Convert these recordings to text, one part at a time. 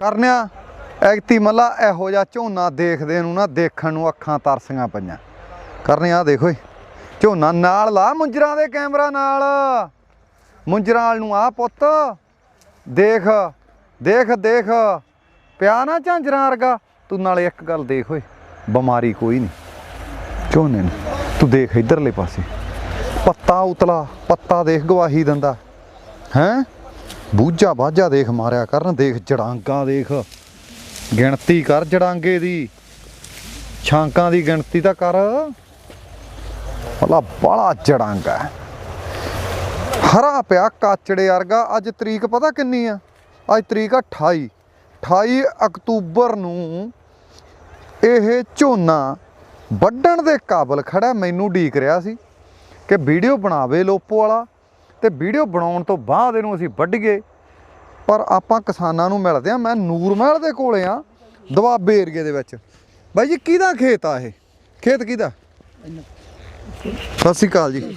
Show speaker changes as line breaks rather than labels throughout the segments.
ਕਰਨਿਆ ਐਗਤੀ ਮੱਲਾ ਇਹੋ ਜਿਹਾ ਝੋਨਾ ਦੇਖਦੇ ਨੂੰ ਨਾ ਦੇਖਣ ਨੂੰ ਅੱਖਾਂ ਤਰਸੀਆਂ ਪਈਆਂ। ਕਰਨਿਆ ਆ ਦੇਖੋ ਝੋਨਾ ਨਾਲ ਲਾ ਮੁੰਜਰਾਂ ਦੇ ਕੈਮਰਾ ਨਾਲ, ਮੁੰਜਰਾਂ ਵਾਲ ਨੂੰ ਆ ਪੁੱਤ ਦੇਖ ਦੇਖ ਦੇਖ ਪਿਆ ਨਾ ਝਾਂਜਰਾਂ ਵਰਗਾ। ਤੂੰ ਨਾਲੇ ਇੱਕ ਗੱਲ ਦੇਖ ਓਏ, ਬਿਮਾਰੀ ਕੋਈ ਨਹੀਂ ਝੋਨੇ ਨੂੰ। ਤੂੰ ਦੇਖ ਇੱਧਰਲੇ ਪਾਸੇ ਪੱਤਾ ਉਤਲਾ, ਪੱਤਾ ਦੇਖ ਗਵਾਹੀ ਦਿੰਦਾ ਹੈਂ। ਬੂਝਾ ਬਾਝਾ ਦੇਖ ਮਾਰਿਆ ਕਰਨ, ਦੇਖ ਜੜਾਂਗਾ ਦੇਖ, ਗਿਣਤੀ ਕਰ ਜੜਾਂਗੇ ਦੀ, ਛਾਂਕਾਂ ਦੀ ਗਿਣਤੀ ਤਾਂ ਕਰ ਭਲਾ। ਬਾਲਾ ਜੜਾਂਗਾ ਹਰਾ ਪਿਆ ਕਾਚੜੇ ਵਰਗਾ। ਅੱਜ ਤਰੀਕ ਪਤਾ ਕਿੰਨੀ ਆ? ਅੱਜ ਤਰੀਕ ਆ 28 ਅਕਤੂਬਰ ਨੂੰ ਇਹ ਝੋਨਾ ਵੱਢਣ ਦੇ ਕਾਬਲ ਖੜਾ। ਮੈਨੂੰ ਉਡੀਕ ਰਿਹਾ ਸੀ ਕਿ ਵੀਡੀਓ ਬਣਾਵੇ ਲੋਪੋ ਵਾਲਾ, ਤੇ ਵੀਡੀਓ ਬਣਾਉਣ ਤੋਂ ਬਾਅਦ ਇਹਨੂੰ ਅਸੀਂ ਵੱਢੀਏ। ਪਰ ਆਪਾਂ ਕਿਸਾਨਾਂ ਨੂੰ ਮਿਲਦੇ ਆ। ਮੈਂ ਨੂਰ ਮਹਿਲ ਦੇ ਕੋਲੇ ਆ, ਦੁਆਬੇ ਏਰੀਏ ਦੇ ਵਿੱਚ। ਬਾਈ ਜੀ ਕਿਹਦਾ ਖੇਤ ਆ ਇਹ? ਖੇਤ ਕਿਹਦਾ? ਸਤਿ ਸ਼੍ਰੀ ਅਕਾਲ ਜੀ।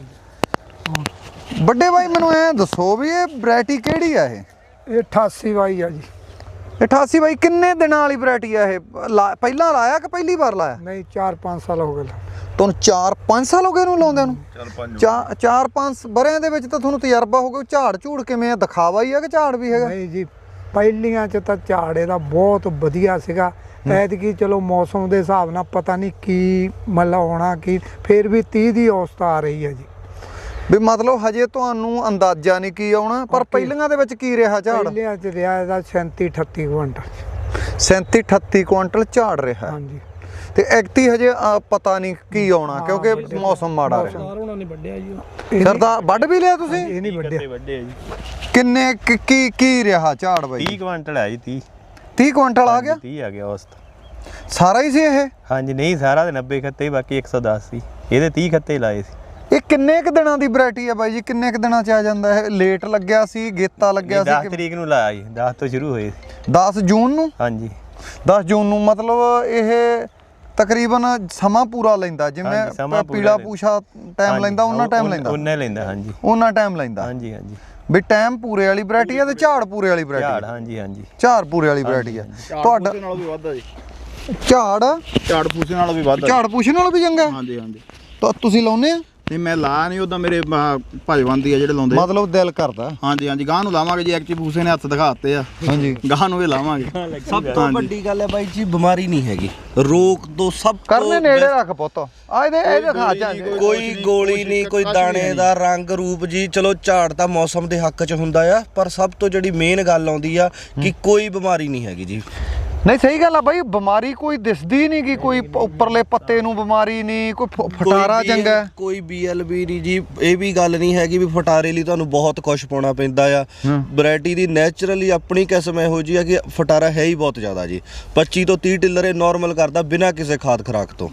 ਵੱਡੇ ਬਾਈ ਮੈਨੂੰ ਐ ਦੱਸੋ ਵੀ ਇਹ ਵੈਰਾਈਟੀ ਕਿਹੜੀ ਆ? ਇਹ
88 ਬਾਈ ਆ ਜੀ।
88 ਬਾਈ ਕਿੰਨੇ ਦਿਨਾਂ ਵਾਲੀ ਵੈਰਾਈਟੀ ਆ ਇਹ? ਪਹਿਲਾਂ ਲਾਇਆ ਕਿ ਪਹਿਲੀ ਵਾਰ ਲਾਇਆ?
ਨਹੀਂ 4-5 ਸਾਲ ਹੋ ਗਏ
ਤੁਹਾਨੂੰ। 4-5 ਸਾਲ ਹੋ ਗਏ ਇਹਨੂੰ ਲਾਉਂਦਿਆਂ ਨੂੰ? 4-5 ਬਰਿਆਂ ਦੇ ਵਿੱਚ ਤਾਂ ਤੁਹਾਨੂੰ ਤਜਰਬਾ ਹੋ ਗਿਆ। ਝਾੜ ਝੂੜ ਕਿਵੇਂ ਆ? ਦਿਖਾਵਾ ਹੀ ਆ ਕਿ ਝਾੜ ਵੀ ਹੈਗਾ?
ਨਹੀਂ ਜੀ, ਪਹਿਲੀਆਂ 'ਚ ਤਾਂ ਝਾੜ ਇਹਦਾ ਬਹੁਤ ਵਧੀਆ ਸੀਗਾ। ਐਤਕੀ ਚਲੋ ਮੌਸਮ ਦੇ ਹਿਸਾਬ ਨਾਲ ਪਤਾ ਨਹੀਂ ਕੀ ਮਤਲਬ ਹੋਣਾ ਕੀ, ਫਿਰ ਵੀ 30 ਦੀ ਔਸਤ ਆ ਰਹੀ ਹੈ ਜੀ।
ਵੀ ਮਤਲਬ ਹਜੇ ਤੁਹਾਨੂੰ ਅੰਦਾਜ਼ਾ ਨਹੀਂ ਕੀ ਆਉਣਾ, ਪਰ ਪਹਿਲੀਆਂ ਦੇ ਵਿੱਚ ਕੀ ਰਿਹਾ ਝਾੜ?
ਪਹਿਲੀਆਂ 'ਚ ਰਿਹਾ ਇਹਦਾ 37-38 ਕੁਇੰਟਲ।
37-38 ਕੁਇੰਟਲ ਝਾੜ ਰਿਹਾ।
ਹਾਂਜੀ।
ਤੇ ਐਕਤੀ ਹਜੇ ਪਤਾ ਨਹੀਂ ਕੀ ਆਉਣਾ ਕਿਉਂਕਿ ਮੌਸਮ ਮਾੜਾ ਰਿਹਾ।
ਉਹਨਾਂ ਨੇ ਵੱਢਿਆ ਜੀ।
ਸਰਦਾਰ ਵੱਢ ਵੀ ਲਿਆ ਤੁਸੀਂ?
ਇਹ ਨਹੀਂ ਵੱਢਿਆ।
ਵੱਢਿਆ ਜੀ।
ਕਿੰਨੇ ਕੀ ਰਿਹਾ ਝਾੜ ਬਾਈ?
30 ਕੁਇੰਟਲ ਆ ਜੀ।
30 ਕੁਇੰਟਲ ਆ ਗਿਆ?
30 ਆ ਗਿਆ ਔਸਤ।
ਸਾਰਾ ਹੀ ਸੀ ਇਹ?
ਹਾਂਜੀ ਨਹੀਂ, ਸਾਰਾ ਦੇ 90 ਖੱਤੇ, ਬਾਕੀ 110 ਸੀ। ਇਹਦੇ 30 ਖੱਤੇ ਲਾਏ ਸੀ।
ਇਹ ਕਿੰਨੇ ਕ ਦਿਨਾਂ ਦੀ ਵੈਰਾਈਟੀ ਆ ਬਾਈ ਜੀ? ਕਿੰਨੇ ਕ ਦਿਨਾਂ ਚ ਆ ਜਾਂਦਾ ਇਹ? ਲੇਟ ਲੱਗਿਆ ਸੀ, ਗੇਤਾ ਲੱਗਿਆ ਸੀ?
10 ਤਰੀਕ ਨੂੰ ਲਾਇਆ ਜੀ। 10 ਤੋਂ ਸ਼ੁਰੂ ਹੋਏ ਸੀ।
10 ਜੂਨ ਨੂੰ?
ਹਾਂਜੀ
10 ਜੂਨ ਨੂੰ। ਮਤਲਬ ਇਹ ਤਕਰੀਬਨ ਸਮਾਂ ਪੂਰਾ ਲੈਂਦਾ, ਜਿਵੇਂ ਪੀਲਾ ਪੂਛਾ ਟਾਈਮ ਲੈਂਦਾ ਉਹਨਾਂ ਟਾਈਮ ਲੈਂਦਾ?
ਉਹਨੇ ਲੈਂਦਾ। ਹਾਂਜੀ
ਉਹਨਾਂ ਟਾਈਮ ਲੈਂਦਾ।
ਹਾਂਜੀ ਹਾਂਜੀ।
ਵੀ ਟਾਈਮ ਪੂਰੇ ਵਾਲੀ ਵੈਰਾਈਟੀ ਆ ਤੇ ਝਾੜ ਪੂਰੇ ਵਾਲੀ ਵੈਰਾਈਟੀ?
ਝਾੜ ਹਾਂਜੀ ਹਾਂਜੀ।
ਝਾੜ ਪੂਰੇ ਵਾਲੀ ਵੈਰਾਈਟੀ ਆ ਤੁਹਾਡਾ?
ਨਾਲੋਂ ਵੀ ਵੱਧਦਾ ਜੀ।
ਝਾੜ
ਪੂਸੇ ਨਾਲੋਂ ਵੀ ਵੱਧਦਾ।
ਝਾੜ ਪੂਛੇ ਨਾਲੋਂ ਵੀ ਚੰਗਾ?
ਹਾਂਜੀ ਹਾਂਜੀ।
ਤਾਂ ਤੁਸੀਂ ਲਾਉਨੇ ਆ?
ਨਹੀਂ ਮੈਂ ਲਾ ਨਹੀਂ, ਉਹਦਾ ਮੇਰੇ ਭਾਜਵੰਦੀ ਆ ਜਿਹੜੇ ਲਾਉਂਦੇ।
ਮਤਲਬ ਦਿਲ ਕਰਦਾ?
ਹਾਂਜੀ ਹਾਂਜੀ। ਗਾਹ ਨੂੰ ਲਾਵਾਂਗੇ ਜੀ। ਐਕਚੁਅਲੀ ਪੂਸੇ ਨੇ ਹੱਥ ਦਿਖਾਤੇ ਆ।
ਹਾਂਜੀ।
ਗਾਹ ਨੂੰ ਵੀ ਲਾਵਾਂਗੇ।
ਸਭ ਤੋਂ ਵੱਡੀ ਗੱਲ ਹੈ ਬਾਈ ਜੀ, ਬਿਮਾਰੀ ਨਹੀਂ ਹੈਗੀ। ਰੋਕ ਤੋਂ ਸਭ
ਕਰਨੇ ਨੇੜੇ ਰੱਖ ਪੁੱਤ। ਆ ਇਹਦੇ ਖਾ ਜਾ।
ਕੋਈ ਗੋਲੀ ਨਹੀਂ, ਕੋਈ ਦਾਣੇ ਦਾ ਰੰਗ ਰੂਪ ਜੀ। ਚਲੋ ਝਾੜ ਤਾਂ ਮੌਸਮ ਦੇ ਹੱਕ 'ਚ ਹੁੰਦਾ ਆ, ਪਰ ਸਭ ਤੋਂ ਜਿਹੜੀ ਮੇਨ ਗੱਲ ਆਉਂਦੀ ਆ ਕਿ ਕੋਈ ਬਿਮਾਰੀ ਨਹੀਂ ਹੈਗੀ ਜੀ।
ਨਹੀਂ ਸਹੀ ਗੱਲ ਆ ਬਾਈ, ਬਿਮਾਰੀ ਕੋਈ ਦਿਸਦੀ ਨਹੀਂ ਕਿ ਕੋਈ ਉੱਪਰਲੇ ਪੱਤੇ ਨੂੰ ਬਿਮਾਰੀ ਨਹੀਂ, ਕੋਈ ਫਟਾਰਾ ਚੰਗਾ,
ਕੋਈ BLB ਨਹੀਂ ਜੀ। ਇਹ ਵੀ ਗੱਲ ਨਹੀਂ ਹੈਗੀ ਵੀ ਫਟਾਰੇ ਲਈ ਤੁਹਾਨੂੰ ਬਹੁਤ ਕੁਝ ਪਾਉਣਾ ਪੈਂਦਾ ਆ। ਵੈਰਾਈਟੀ ਦੀ ਨੈਚੁਰਲੀ ਆਪਣੀ ਕਿਸਮ ਇਹੋ ਜਿਹੀ ਆ ਕਿ ਫਟਾਰਾ ਹੈ ਹੀ ਬਹੁਤ ਜ਼ਿਆਦਾ ਜੀ। 25 ਤੋਂ 30 ਟਿੱਲਰ ਇਹ ਨਾਰਮਲ ਕਰਦਾ ਬਿਨਾਂ ਕਿਸੇ ਖਾਦ ਖੁਰਾਕ ਤੋਂ।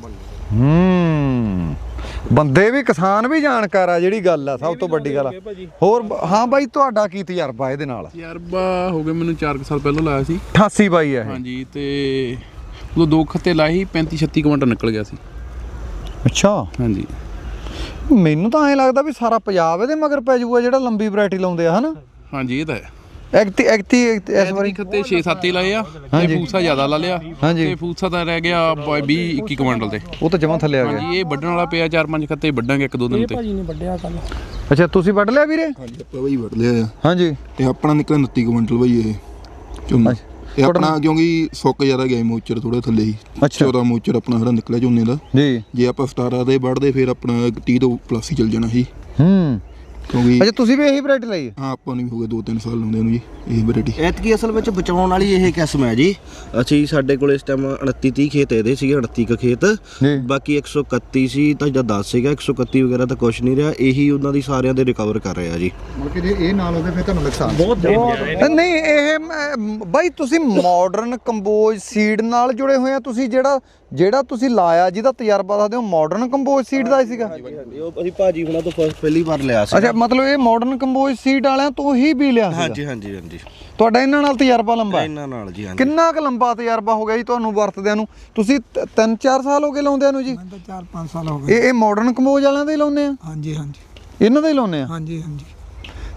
ਬੰਦੇ ਵੀ ਕਿਸਾਨ ਵੀ ਜਾਣਕਾਰ ਆ, ਜਿਹੜੀ ਗੱਲ ਆ ਸਭ ਤੋਂ ਵੱਡੀ ਗੱਲ ਆ। ਹੋਰ ਹਾਂ ਬਾਈ, ਤੁਹਾਡਾ ਕੀ ਤਜਰਬਾ ਇਹਦੇ ਨਾਲ?
ਤਜਰਬਾ ਹੋ ਗਿਆ ਮੈਨੂੰ 4 ਸਾਲ ਪਹਿਲਾਂ ਲਾਇਆ ਸੀ।
88 ਬਾਈ ਆ ਇਹ?
ਹਾਂਜੀ। ਤੇ ਉਦੋਂ 2 ਖੱਤੇ ਲਾਏ ਸੀ, 35-36 ਕੁਇੰਟਲ ਨਿਕਲ ਗਿਆ ਸੀ।
ਅੱਛਾ।
ਹਾਂਜੀ।
ਮੈਨੂੰ ਤਾਂ ਐਂ ਲੱਗਦਾ ਵੀ ਸਾਰਾ ਪੰਜਾਬ ਇਹਦੇ ਮਗਰ ਪੈ ਜਾਊਗਾ ਜਿਹੜਾ ਲੰਬੀ ਵੈਰਾਈਟੀ ਲਾਉਂਦੇ ਆ, ਹਨਾ?
ਹਾਂਜੀ ਇਹ ਤਾਂ ਹੈ।
ਐਕਤੀ ਇਸ ਵਾਰੀ
ਖੱਤੇ 6-7 ਹੀ ਲਾਏ ਆ ਤੇ ਫੂਸਾ ਜ਼ਿਆਦਾ ਲਾ ਲਿਆ।
ਹਾਂਜੀ।
ਤੇ ਫੂਸਾ ਤਾਂ ਰਹਿ ਗਿਆ 20-21 ਕੁਇੰਟਲ ਤੇ।
ਉਹ ਤਾਂ ਜਮਾਂ ਥੱਲੇ ਆ ਗਿਆ।
ਹਾਂਜੀ। ਇਹ ਵੱਢਣ ਵਾਲਾ ਪਿਆ 4-5 ਖੱਤੇ ਵੱਢਾਂਗੇ 1-2 ਦਿਨ ਤੇ।
ਭਾਜੀ ਨੇ ਵੱਢਿਆ ਕੱਲ।
ਅੱਛਾ ਤੁਸੀਂ ਵੱਢ ਲਿਆ ਵੀਰੇ?
ਹਾਂਜੀ ਆਪਾਂ ਬਈ ਵੱਢ ਲਿਆ ਆ।
ਹਾਂਜੀ।
ਤੇ ਆਪਣਾ ਨਿਕਲਿਆ 29 ਕੁਇੰਟਲ ਬਈ ਇਹ ਝੋਨਾ। ਇਹ ਆਪਣਾ ਕਿਉਂਕਿ ਸੁੱਕ ਜ਼ਿਆਦਾ ਗਿਆ ਮੋਚਰ ਥੋੜਾ ਥੱਲੇ ਹੀ। 14 ਮੋਚਰ ਆਪਣਾ ਜਿਹੜਾ ਨਿਕਲਿਆ ਝੋਨੇ ਦਾ ਜੀ। ਜੇ ਆਪਾਂ 17 ਦੇ ਵੱਢਦੇ ਫਿਰ ਆਪਣਾ 30 ਤੋਂ ਪਲੱਸ ਹੀ ਚੱਲ ਜਾਣਾ ਸੀ। ਕਿਉਂਕਿ
ਅੱਛਾ ਤੁਸੀਂ ਵੀ ਇਹੀ ਵੈਰਾਈਟੀ ਲਈ ਹੈ?
ਹਾਂ ਆਪਾਂ ਨੂੰ ਵੀ ਹੋ ਗਏ 2-3 ਸਾਲ ਲਾਉਂਦੇ ਨੂੰ ਜੀ ਇਹ ਵੈਰਾਈਟੀ।
ਐਤਕੀ ਅਸਲ ਵਿੱਚ ਬਚਾਉਣ ਵਾਲੀ ਇਹ ਕਿਸਮ ਹੈ ਜੀ। ਅਸੀਂ ਸਾਡੇ ਕੋਲ ਇਸ ਟਾਈਮ 29-30 ਖੇਤ ਇਹਦੇ ਸੀਗੇ, 38 ਕ ਖੇਤ। ਬਾਕੀ 131 ਸੀ ਤਾਂ ਜਾਂ 10 ਸੀਗਾ। 131 ਵਗੈਰਾ ਤਾਂ ਕੁਛ ਨਹੀਂ ਰਿਹਾ। ਇਹੀ ਉਹਨਾਂ ਦੀ ਸਾਰਿਆਂ ਦੇ ਰਿਕਵਰ ਕਰ ਰਿਹਾ ਜੀ।
ਮਤਲਬ ਕਿ ਜੇ ਇਹ ਨਾਲ ਹੋਵੇ ਫਿਰ ਤੁਹਾਨੂੰ ਨੁਕਸਾਨ
ਨਹੀਂ। ਇਹ ਬਾਈ ਤੁਸੀਂ ਮਾਡਰਨ ਕੰਬੋਜ ਸੀਡ ਨਾਲ ਜੁੜੇ ਹੋਏ ਆ ਤੁਸੀਂ? ਜਿਹੜਾ ਤੁਸੀਂ ਲਾਇਆ ਜਿਹਦਾ ਤਜਰਬਾ ਦੱਸਦੇ ਹੋ, ਮਾਡਰਨ ਕੰਬੋਜ ਸੀਡ ਦਾ ਹੀ ਸੀਗਾ?
ਉਹ ਅਸੀਂ ਭਾਜੀ ਹੁਣਾਂ ਤੋਂ ਪਹਿਲੀ ਵਾਰ ਲਿਆ ਸੀ।
ਅੱਛਾ ਮਤਲਬ ਇਹ ਮਾਡਰਨ ਕੰਬੋਜ ਸੀਡ ਵਾਲਿਆਂ ਤੋਂ ਹੀ ਵੀ ਲਿਆ ਸੀ?
ਹਾਂਜੀ ਹਾਂਜੀ ਹਾਂਜੀ।
ਤੁਹਾਡਾ ਇਹਨਾਂ ਨਾਲ ਤਜਰਬਾ ਲੰਬਾ ਹੈ?
ਇਹਨਾਂ ਨਾਲ ਜੀ।
ਕਿੰਨਾ ਕੁ ਲੰਬਾ ਤਜਰਬਾ ਹੋ ਗਿਆ ਜੀ ਤੁਹਾਨੂੰ ਵਰਤਦਿਆਂ ਨੂੰ? ਤੁਸੀਂ 3-4 ਸਾਲ ਹੋ ਗਏ ਲਾਉਂਦਿਆਂ ਨੂੰ ਜੀ?
ਮੈਂ ਤਾਂ 4-5 ਸਾਲ ਹੋ ਗਏ।
ਇਹ ਮਾਡਰਨ ਕੰਬੋਜ ਵਾਲਿਆਂ ਦੇ ਹੀ ਲਾਉਂਦੇ ਆ?
ਹਾਂਜੀ ਹਾਂਜੀ।
ਇਹਨਾਂ ਦੇ ਹੀ ਲਾਉਂਦੇ ਆ?
ਹਾਂਜੀ ਹਾਂਜੀ।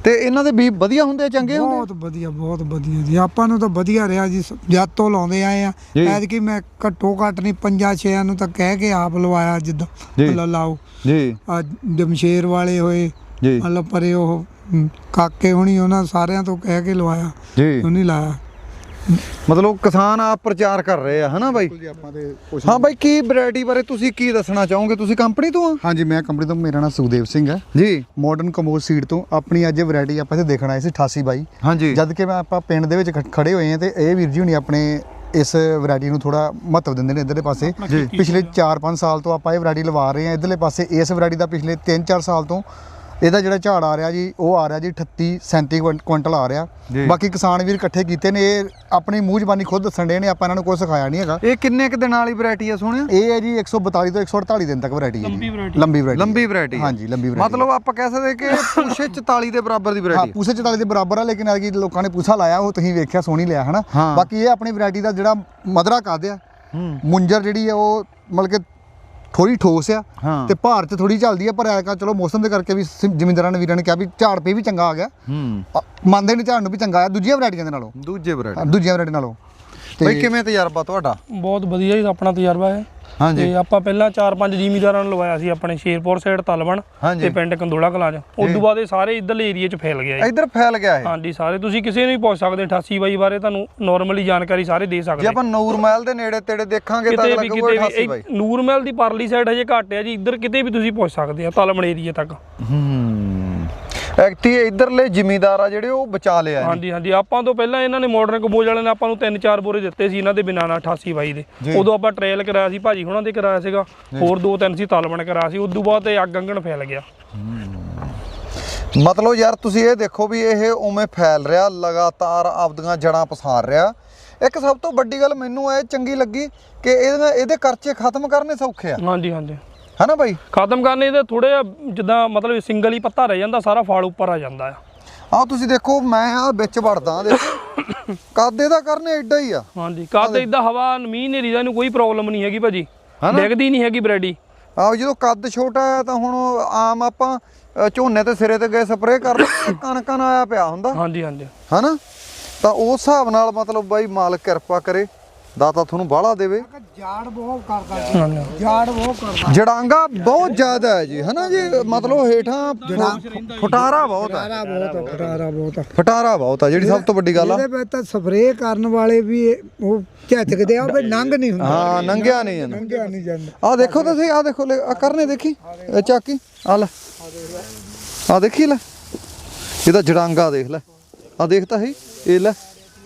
ਤੇ ਇਹਨਾਂ ਦੇ ਬੀਜ ਵਧੀਆ ਹੁੰਦੇ, ਚੰਗੇ ਹੁੰਦੇ?
ਬਹੁਤ ਵਧੀਆ ਜੀ, ਆਪਾਂ ਨੂੰ ਤਾਂ ਵਧੀਆ ਰਿਹਾ ਜੀ, ਜਦ ਤੋਂ ਲਾਉਂਦੇ ਆਏ ਆ। ਐਤਕੀ ਮੈਂ ਘੱਟੋ ਘੱਟ ਨਹੀਂ 5-6 ਨੂੰ ਤਾਂ ਕਹਿ ਕੇ ਆਪ ਲਵਾਇਆ, ਜਿੱਦਾਂ ਮਤਲਬ ਲਾਓ ਜੀ, ਆ ਜਮਸ਼ੇਰ ਵਾਲੇ ਹੋਏ ਜੀ, ਮਤਲਬ ਪਰੇ ਉਹ ਕਾਕੇ ਹੋਣੀ, ਉਹਨਾਂ ਸਾਰਿਆਂ ਤੋਂ ਕਹਿ ਕੇ ਲਵਾਇਆ ਜੀ, ਉਹ ਨਹੀਂ ਲਾਇਆ।
ਮਤਲਬ ਕਿਸਾਨ ਆਪ ਪ੍ਰਚਾਰ ਕਰ ਰਹੇ ਆ, ਹਨਾ ਬਾਈ? ਹਾਂ ਬਾਈ, ਕੀ ਵੈਰਾਈਟੀ ਬਾਰੇ ਤੁਸੀਂ ਕੀ ਦੱਸਣਾ ਚਾਹੋਗੇ? ਤੁਸੀਂ ਕੰਪਨੀ ਤੋਂ ਆ?
ਹਾਂਜੀ, ਮੈਂ ਕੰਪਨੀ ਤੋਂ, ਮੇਰਾ ਨਾਮ ਸੁਖਦੇਵ ਸਿੰਘ ਹੈ ਜੀ, ਮਾਡਰਨ ਕੰਬੋਜ ਸੀਡ ਤੋਂ। ਆਪਣੀ ਅੱਜ ਵੈਰਾਈਟੀ ਆਪਾਂ ਇੱਥੇ ਦੇਖਣ ਆਏ ਸੀ 8822। ਹਾਂਜੀ, ਜਦ ਕਿ ਮੈਂ ਆਪਾਂ ਪਿੰਡ ਦੇ ਵਿੱਚ ਖੜੇ ਹੋਏ ਹਾਂ ਤੇ ਇਹ ਵੀਰ ਜੀ ਹੁਣੀ ਆਪਣੇ ਇਸ ਵੈਰਾਈਟੀ ਨੂੰ ਥੋੜਾ ਮਹੱਤਵ ਦਿੰਦੇ ਨੇ ਇੱਧਰਲੇ ਪਾਸੇ। ਪਿਛਲੇ 4-5 ਸਾਲ ਤੋਂ ਆਪਾਂ ਇਹ ਵੈਰਾਈਟੀ ਲਵਾ ਰਹੇ ਹਾਂ ਇੱਧਰਲੇ ਪਾਸੇ। ਇਸ ਵੈਰਾਈਟੀ ਦਾ ਪਿਛਲੇ 3-4 ਸਾਲ ਤੋਂ ਇਹਦਾ ਜਿਹੜਾ ਝਾੜ ਆ ਰਿਹਾ ਜੀ, ਉਹ ਆ ਰਿਹਾ ਜੀ 38-37 ਕੁਇੰਟਲ ਆ ਰਿਹਾ। ਬਾਕੀ ਕਿਸਾਨ ਵੀਰ ਇਕੱਠੇ ਕੀਤੇ ਨੇ, ਇਹ ਆਪਣੀ ਮੂੰਹ ਜ਼ਬਾਨੀ ਖੁਦ ਦੱਸਣ ਦੇ ਨੇ, ਆਪਾਂ ਇਹਨਾਂ ਨੂੰ ਕੁਝ ਸਿਖਾਇਆ ਨਹੀਂ ਹੈਗਾ।
ਇਹ ਕਿੰਨੇ ਕੁ ਦਿਨਾਂ ਵਾਲੀ ਵੈਰਾਈਟੀ ਆ ਸੋਹਣਿਆ?
ਇਹ ਹੈ ਜੀ 142 ਤੋਂ 148 ਦਿਨ ਤੱਕ ਵੈਰਾਈਟੀ ਹੈ ਜੀ, ਲੰਬੀ ਵੈਰਾਈਟੀ। ਹਾਂਜੀ, ਲੰਬੀ ਵੈਰਾਈਟੀ,
ਮਤਲਬ ਆਪਾਂ ਕਹਿ ਸਕਦੇ ਕਿ ਪੂਛੇ 44 ਦੇ ਬਰਾਬਰ ਦੀ ਵੈਰਾਈਟੀ।
ਹਾਂ, ਪੂਛੇ 44 ਦੇ ਬਰਾਬਰ ਆ, ਲੇਕਿਨ ਅਰਗੀ ਲੋਕਾਂ ਨੇ ਪੂਛਾ ਲਾਇਆ, ਉਹ ਤੁਸੀਂ ਵੇਖਿਆ, ਸੋਹਣੀ ਲਿਆ ਹਨਾ। ਬਾਕੀ ਇਹ ਆਪਣੀ ਵੈਰਾਈਟੀ ਦਾ ਜਿਹੜਾ ਮਦਰਾ ਕੱਦ ਆ, ਮੁੰਜਰ ਜਿਹੜੀ ਹੈ ਉਹ ਮਤਲਬ ਕਿ ਥੋੜੀ ਠੋਸ ਆ ਤੇ ਭਾਰ 'ਚ ਥੋੜੀ ਚੱਲਦੀ ਆ, ਪਰ ਐਲਕਾ ਚਲੋ ਮੌਸਮ ਦੇ ਕਰਕੇ ਵੀ ਜ਼ਿਮੀਂਦਾਰਾਂ ਨੇ ਵੀਰਾਂ ਨੇ ਕਿਹਾ ਵੀ ਝਾੜ ਪੇ ਵੀ ਚੰਗਾ ਆ ਗਿਆ, ਮੰਨਦੇ ਨੇ ਝਾੜ ਨੂੰ ਵੀ ਚੰਗਾ ਆ ਦੂਜੀਆਂ ਵੈਰਾਈਟੀਆਂ ਦੇ ਨਾਲੋਂ। ਦੂਜੀਆਂ ਵੈਰਾਈਟੀ ਨਾਲੋਂ।
ਬਈ ਕਿਵੇਂ ਤਜਰਬਾ ਤੁਹਾਡਾ?
ਬਹੁਤ ਵਧੀਆ ਜੀ, ਆਪਣਾ ਤਜਰਬਾ ਹੈ। ਤੇ ਆਪਾਂ ਪਹਿਲਾਂ 4-5 ਜ਼ਿਮੀਂਦਾਰਾਂ ਨੂੰ ਲਵਾਇਆ ਸੀ ਆਪਣੇ ਸ਼ੇਰਪੁਰ ਸਾਈਡ ਤਲਵਣ ਤੇ ਪਿੰਡ ਕੰਦੋਲਾ ਕਲਾਂ 'ਚ। ਉਸ ਤੋਂ ਬਾਅਦ ਇਹ ਸਾਰੇ ਇੱਧਰਲੇ ਏਰੀਏ 'ਚ ਫੈਲ ਗਿਆ ਜੀ।
ਇੱਧਰ ਫੈਲ ਗਿਆ ਇਹ?
ਹਾਂਜੀ, ਸਾਰੇ ਤੁਸੀਂ ਕਿਸੇ ਨੂੰ ਵੀ ਪੁੱਛ ਸਕਦੇ 8822 ਬਾਰੇ, ਤੁਹਾਨੂੰ ਨਾਰਮਲੀ ਜਾਣਕਾਰੀ ਸਾਰੇ ਦੇ ਸਕਦੇ।
ਜੇ ਆਪਾਂ ਨੂਰ ਮਹਿਲ ਦੇ ਨੇੜੇ ਤੇੜੇ ਦੇਖਾਂਗੇ ਤਾਂ ਲੱਗੂਗਾ 8822।
ਨੂਰ ਮਹਿਲ ਦੀ ਪਰਲੀ ਸਾਈਡ ਹਜੇ ਘੱਟ ਹੈ ਜੀ, ਇੱਧਰ ਕਿਤੇ ਵੀ ਤੁਸੀਂ ਪੁੱਛ ਸਕਦੇ ਆ ਤਲਵਣ ਏਰੀਏ ਤੱਕ।
ਐਕਟੀ ਇਧਰਲੇ ਜ਼ਿਮੀਂਦਾਰ ਆ ਜਿਹੜੇ ਉਹ ਬਚਾ ਲਿਆ।
ਹਾਂਜੀ, ਆਪਾਂ ਤੋਂ ਪਹਿਲਾਂ ਇਹਨਾਂ ਨੇ ਮਾਡਰਨ ਕੰਬੋਜ ਵਾਲਿਆਂ ਨੇ ਆਪਾਂ ਨੂੰ 3-4 ਬੋਰੇ ਦਿੱਤੇ ਸੀ ਇਹਨਾਂ ਦੇ ਬਿਨਾਂ 8822 ਦੇ। ਉਦੋਂ ਆਪਾਂ ਟ੍ਰਾਇਲ ਕਰਾਇਆ ਸੀ, ਭਾਜੀ ਹੁਣਾਂ ਦੇ ਕਰਾਇਆ ਸੀਗਾ, ਹੋਰ 2-3 ਸੀ ਤਲਵਣ ਕਰਾਇਆ ਸੀ। ਉਦੋਂ ਬਾਅਦ ਇਹ ਅੱਗ ਅੰਗਣ ਫੈਲ ਗਿਆ।
ਮਤਲਬ ਯਾਰ ਤੁਸੀਂ ਇਹ ਦੇਖੋ ਵੀ ਇਹ ਉਵੇਂ ਫੈਲ ਰਿਹਾ, ਲਗਾਤਾਰ ਆਪਦੀਆਂ ਜੜਾਂ ਪਸਾਰ ਰਿਹਾ। ਇੱਕ ਸਭ ਤੋਂ ਵੱਡੀ ਗੱਲ ਮੈਨੂੰ ਇਹ ਚੰਗੀ ਲੱਗੀ ਕਿ ਇਹਦੇ ਖਰਚੇ ਖਤਮ ਕਰਨੇ ਸੌਖੇ ਆ।
ਹਾਂਜੀ,
ਹੈ ਨਾ ਬਾਈ?
ਖਤਮ ਕਰਨੇ ਇਹਦੇ ਥੋੜੇ ਜਿੱਦਾਂ ਮਤਲਬ ਸਿੰਗਲ ਹੀ ਪੱਤਾ ਰਹਿ ਜਾਂਦਾ, ਸਾਰਾ ਫਲ ਉੱਪਰ ਆ ਜਾਂਦਾ ਆ।
ਆਹ ਤੁਸੀਂ ਦੇਖੋ, ਮੈਂ ਆ ਵਿੱਚ ਵੜਦਾ, ਦੇਖੋ ਕੱਦ ਇਹਦਾ ਕਰਨੇ ਐਡਾ ਹੀ ਆ।
ਹਾਂਜੀ, ਕੱਦ ਇਦਾਂ ਹਵਾ ਮੀਂਹ ਹਨੇਰੀ ਦਾ ਇਹਨੂੰ ਕੋਈ ਪ੍ਰੋਬਲਮ ਨਹੀਂ ਹੈਗੀ ਭਾਜੀ, ਡਿੱਗਦੀ ਨਹੀਂ ਹੈਗੀ ਵੈਰਾਈਟੀ।
ਆਹ ਜਦੋਂ ਕੱਦ ਛੋਟਾ ਹੈ ਤਾਂ ਹੁਣ ਆਮ ਆਪਾਂ ਝੋਨੇ ਤੇ ਸਿਰੇ ਤੇ ਗਏ ਸਪਰੇਅ ਕਰ ਲਓ, ਕਣਕਾਂ ਨਾਲ ਆਇਆ ਪਿਆ ਹੁੰਦਾ।
ਹਾਂਜੀ,
ਹਨਾ? ਤਾਂ ਉਸ ਹਿਸਾਬ ਨਾਲ ਮਤਲਬ ਬਾਈ ਮਾਲਕ ਕਿਰਪਾ ਕਰੇ, ਦਾਤਾ ਤੁਹਾਨੂੰ ਬਾਹਲਾ ਦੇਵੇ।
ਜਾੜ ਬਹੁਤ ਕਰਦਾ,
ਜੜਾਂਗਾ ਬਹੁਤ ਜ਼ਿਆਦਾ ਹੈ ਜੀ, ਹਨਾ ਜੀ? ਮਤਲਬ ਹੇਠਾਂ ਫਟਾਰਾ ਬਹੁਤ ਆ, ਜਿਹੜੀ ਸਭ ਤੋਂ ਵੱਡੀ ਗੱਲ ਆ।
ਇਹਦੇ ਵਿੱਚ ਤਾਂ ਸਪਰੇਅ ਕਰਨ ਵਾਲੇ ਵੀ ਉਹ ਝਿਜਕਦੇ ਆ, ਵੀ ਨੰਗ ਨਹੀਂ ਹੁੰਦਾ।
ਹਾਂ, ਨੰਗਿਆ ਨਹੀਂ ਜਾਂਦਾ। ਆਹ ਦੇਖੋ ਤੁਸੀਂ, ਆਹ ਦੇਖੋ ਆ ਕਰਨੇ, ਦੇਖੀ ਚਾਕੀ, ਆ ਲੈ, ਆਹ ਦੇਖੀ ਲੈ, ਇਹਦਾ ਜੜਾਂਗਾ ਦੇਖ ਲੈ, ਆਹ ਦੇਖ ਤਾਂ ਇਹ ਲੈ।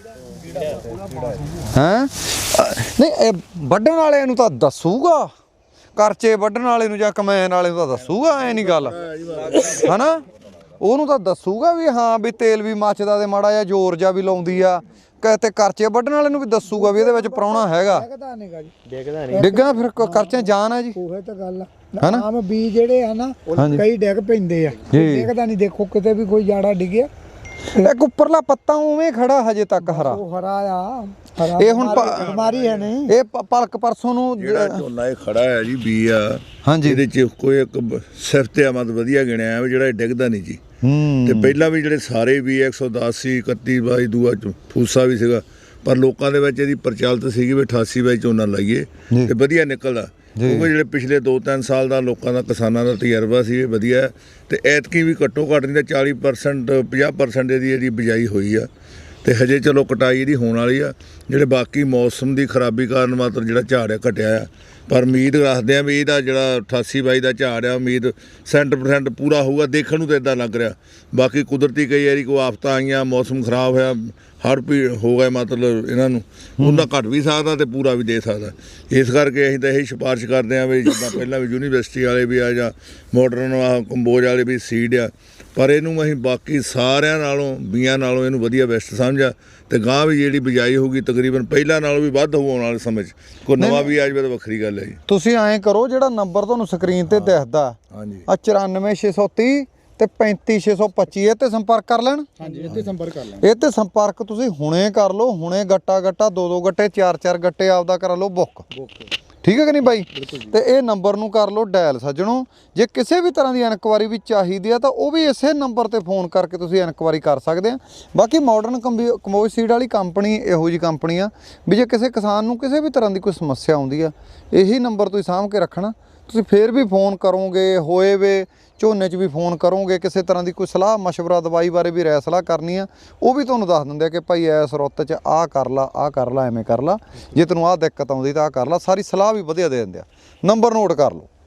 ਹੈਂ? ਨਹੀਂ, ਇਹ ਵੱਢਣ ਵਾਲਿਆਂ ਨੂੰ ਤਾਂ ਦੱਸੂਗਾ, ਕਰਚੇ ਵੱਢਣ ਵਾਲੇ ਨੂੰ ਜਾਂ ਕਮੈਨ ਵਾਲੇ ਨੂੰ ਤਾਂ ਦੱਸੂਗਾ, ਐ ਨਹੀਂ ਗੱਲ, ਹਨਾ? ਉਹਨੂੰ ਤਾਂ ਦੱਸੂਗਾ ਵੀ ਹਾਂ ਵੀ ਤੇਲ ਵੀ ਮੱਚਦਾ ਤੇ ਮਾੜਾ ਜਿਹਾ ਜ਼ੋਰ ਜਿਹਾ ਵੀ ਲਾਉਂਦੀ ਆ, ਤੇ ਕਰਚੇ ਵੱਢਣ ਵਾਲੇ ਨੂੰ ਵੀ ਦੱਸੂਗਾ ਵੀ ਇਹਦੇ ਵਿੱਚ ਪ੍ਰਾਹੁਣਾ ਹੈਗਾ। ਡਿੱਗਣਾ ਫਿਰ ਕਰਚੇ ਜਾਨ ਆ ਜੀ,
ਉਹ ਤਾਂ ਗੱਲ ਆ। ਆਮ ਬੀਜ ਜਿਹੜੇ ਆ ਨਾ, ਕਈ ਡਿੱਗ ਪੈਂਦੇ ਆ, ਡਿੱਗਦਾ ਨਹੀਂ। ਦੇਖੋ ਕਿਤੇ ਵੀ ਕੋਈ ਜਾੜਾ ਡਿੱਗਿਆ,
ਇੱਕ ਉੱਪਰਲਾ ਪੱਤਾ ਉਵੇਂ ਖੜਾ ਹਜੇ ਤੱਕ ਹਰਾ।
ਉਹ ਹਰਾ ਆ,
ਇਹ ਹੁਣ
ਬਿਮਾਰੀ ਹੈ ਨਹੀਂ।
ਇਹ ਪਲਕ ਪਰਸੋਂ ਨੂੰ
ਜਿਹੜਾ ਝੋਨਾ ਇਹ ਖੜਾ ਹੈ ਜੀ, ਬੀ ਆ।
ਹਾਂਜੀ,
ਇਹਦੇ ਚ ਕੋਈ ਇੱਕ ਸਿਫਤ ਆਮਦ ਵਧੀਆ ਗਿਣਿਆ ਵੀ ਜਿਹੜਾ ਇਹ ਡਿੱਗਦਾ ਨਹੀਂ ਜੀ। ਤੇ ਪਹਿਲਾਂ ਵੀ ਜਿਹੜੇ ਸਾਰੇ ਵੀ 110 ਸੀ, 3122 ਦੂਆ ਫੂਸਾ ਵੀ ਸੀਗਾ, ਪਰ ਲੋਕਾਂ ਦੇ ਵਿੱਚ ਇਹਦੀ ਪ੍ਰਚਲਿਤ ਸੀਗੀ ਵੀ 8822 ਝੋਨਾ ਲਾਈਏ ਤੇ ਵਧੀਆ ਨਿਕਲਦਾ। ਕਿਉਂਕਿ ਜਿਹੜੇ ਪਿਛਲੇ 2-3 ਸਾਲ ਦਾ ਲੋਕਾਂ ਦਾ, ਕਿਸਾਨਾਂ ਦਾ ਤਜਰਬਾ ਸੀ ਇਹ ਵਧੀਆ। ਤੇ ਐਤਕੀ ਵੀ ਘੱਟੋ ਘੱਟ ਨਹੀਂ ਤਾਂ 40% 50% ਇਹਦੀ ਬਿਜਾਈ ਹੋਈ ਆ। ਤੇ ਹਜੇ ਚਲੋ ਕਟਾਈ ਇਹਦੀ ਹੋਣ ਵਾਲੀ ਆ। ਜਿਹੜੇ ਬਾਕੀ ਮੌਸਮ ਦੀ ਖਰਾਬੀ ਕਾਰਨ ਮਾਤਰ ਜਿਹੜਾ ਝਾੜ ਘਟਿਆ ਆ, ਪਰ ਉਮੀਦ ਰੱਖਦੇ ਆ ਵੀ ਇਹਦਾ ਜਿਹੜਾ 8822 ਦਾ ਝਾੜ ਆ, ਉਮੀਦ 100% ਪੂਰਾ ਹੋਊਗਾ। ਦੇਖਣ ਨੂੰ ਤਾਂ ਇਦਾਂ ਲੱਗ ਰਿਹਾ। ਬਾਕੀ ਕੁਦਰਤੀ ਕਈ ਵਾਰੀ ਕੋਈ ਆਫਤਾਂ ਆਈਆਂ, ਮੌਸਮ ਖਰਾਬ ਹੋਇਆ, ਹੜ੍ਹ ਹੋ ਗਏ, ਮਤਲਬ ਇਹਨਾਂ ਨੂੰ ਉਹਨਾਂ ਘੱਟ ਵੀ ਸਕਦਾ ਤੇ ਪੂਰਾ ਵੀ ਦੇ ਸਕਦਾ। ਇਸ ਕਰਕੇ ਅਸੀਂ ਤਾਂ ਇਹੀ ਸਿਫਾਰਿਸ਼ ਕਰਦੇ ਹਾਂ ਵੀ ਜਿੱਦਾਂ ਪਹਿਲਾਂ ਵੀ ਯੂਨੀਵਰਸਿਟੀ ਵਾਲੇ ਵੀ ਆ ਜਾਂ ਮਾਡਰਨ ਕੰਬੋਜ ਵਾਲੇ ਵੀ ਸੀਡ ਆ, ਪਰ ਇਹਨੂੰ ਅਸੀਂ ਬਾਕੀ ਸਾਰਿਆਂ ਨਾਲੋਂ, ਬੀਆਂ ਨਾਲੋਂ ਇਹਨੂੰ ਵਧੀਆ ਬੈਸਟ ਸਮਝਿਆ। ਤੇ ਗਾਂ ਵੀ ਜਿਹੜੀ ਬਿਜਾਈ ਹੋਊਗੀ ਤਕਰੀਬਨ ਪਹਿਲਾਂ ਨਾਲੋਂ ਵੀ ਵੱਧ ਹੋਊ ਆਉਣ ਵਾਲੇ ਸਮੇਂ 'ਚ। ਕੋਈ ਨਵਾਂ ਵੀ ਆ ਜਾਵੇ ਤਾਂ ਵੱਖਰੀ ਗੱਲ ਹੈ ਜੀ।
ਤੁਸੀਂ ਐਂ ਕਰੋ, ਜਿਹੜਾ ਨੰਬਰ ਤੁਹਾਨੂੰ ਸਕਰੀਨ ਤੇ ਦਿਖਦਾ
ਹਾਂਜੀ,
ਆ 94630 ਤੇ 35625, ਇਹ ਤੇ ਸੰਪਰਕ ਕਰ ਲੈਣ।
ਹਾਂਜੀ, ਇਹ ਤੇ ਸੰਪਰਕ ਕਰ ਲੈਣ।
ਇਹ ਤੇ ਸੰਪਰਕ ਤੁਸੀਂ ਹੁਣੇ ਕਰ ਲਓ, ਹੁਣੇ ਗੱਟਾ 2-2 ਗੱਟੇ 4-4 ਗੱਟੇ ਆਪਦਾ ਕਰਾ ਲਓ ਬੁੱਕ। ਠੀਕ ਹੈ ਕਿ ਨਹੀਂ ਬਾਈ? ਤੇ ਇਹ ਨੰਬਰ ਨੂੰ ਕਰ ਲਓ ਡਾਇਲ ਸੱਜਣੋ। ਜੇ ਕਿਸੇ ਵੀ ਤਰ੍ਹਾਂ ਦੀ ਇਨਕੁਆਰੀ ਵੀ ਚਾਹੀਦੀ ਆ ਤਾਂ ਉਹ ਵੀ ਇਸੇ ਨੰਬਰ ਤੇ ਫੋਨ ਕਰਕੇ ਤੁਸੀਂ ਇਨਕੁਆਰੀ ਕਰ ਸਕਦੇ ਆ। ਬਾਕੀ ਮਾਡਰਨ ਕਮੋਜ ਸੀਡ ਵਾਲੀ ਕੰਪਨੀ ਇਹੋ ਜਿਹੀ ਕੰਪਨੀ ਆ ਵੀ ਜੇ ਕਿਸੇ ਕਿਸਾਨ ਨੂੰ ਕਿਸੇ ਵੀ ਤਰ੍ਹਾਂ ਦੀ ਕੋਈ ਸਮੱਸਿਆ ਆਉਂਦੀ ਆ, ਇਹੀ ਨੰਬਰ ਤੁਸੀਂ ਸਾਂਭ ਕੇ ਰੱਖਣਾ। ਤੁਸੀਂ ਫੇਰ ਵੀ ਫੋਨ ਕਰੋਗੇ, ਹੋਏ ਵੇ ਝੋਨੇ 'ਚ ਵੀ ਫੋਨ ਕਰੋਗੇ, ਕਿਸੇ ਤਰ੍ਹਾਂ ਦੀ ਕੋਈ ਸਲਾਹ ਮਸ਼ਵਰਾ ਦਵਾਈ ਬਾਰੇ ਵੀ ਰਾਏ ਸਲਾਹ ਕਰਨੀ ਆ, ਉਹ ਵੀ ਤੁਹਾਨੂੰ ਦੱਸ ਦਿੰਦੇ ਆ ਕਿ ਭਾਈ ਇਸ ਰੁੱਤ 'ਚ ਆਹ ਕਰ ਲਾ, ਆਹ ਕਰ ਲਾ, ਐਵੇਂ ਕਰ ਲਾ, ਜੇ ਤੈਨੂੰ ਆਹ ਦਿੱਕਤ ਆਉਂਦੀ ਤਾਂ ਆਹ ਕਰ ਲਾ, ਸਾਰੀ ਸਲਾਹ ਵੀ ਵਧੀਆ ਦੇ ਦਿੰਦੇ ਆ। ਨੰਬਰ ਨੋਟ ਕਰ ਲਓ।